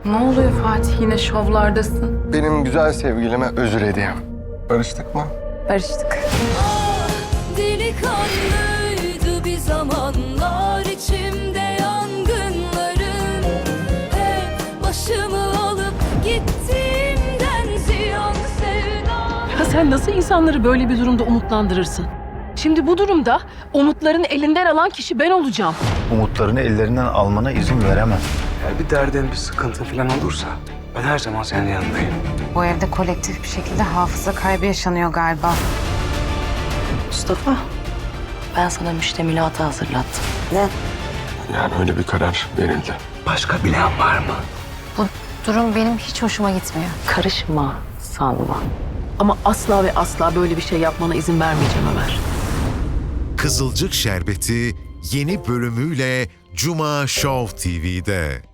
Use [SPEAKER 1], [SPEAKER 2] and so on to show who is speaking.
[SPEAKER 1] Ne oluyor Fatih? Yine şovlardasın.
[SPEAKER 2] Benim güzel sevgilime özür hediyem. Barıştık mı?
[SPEAKER 1] Barıştık.
[SPEAKER 3] Delikanlıydı bir zamanlar içimde yangınların. Hep başımı alıp gittiğimden ziyan sevdam.
[SPEAKER 4] Ya sen nasıl insanları böyle bir durumda umutlandırırsın? Şimdi bu durumda umutlarını elinden alan kişi ben olacağım.
[SPEAKER 5] Umutlarını ellerinden almana izin veremem.
[SPEAKER 6] Eğer bir derdin, bir sıkıntı falan olursa ben her zaman senin yanındayım.
[SPEAKER 7] Bu evde kolektif bir şekilde hafıza kaybı yaşanıyor galiba.
[SPEAKER 8] Mustafa, ben sana müştemilatı hazırlattım.
[SPEAKER 2] Yani öyle bir karar verildi.
[SPEAKER 6] Başka bilen var mı?
[SPEAKER 7] Bu durum benim hiç hoşuma gitmiyor.
[SPEAKER 8] Karışma, sanma.
[SPEAKER 4] Ama asla ve asla böyle bir şey yapmana izin vermeyeceğim Ömer.
[SPEAKER 9] Kızılcık Şerbeti yeni bölümüyle Cuma Show TV'de.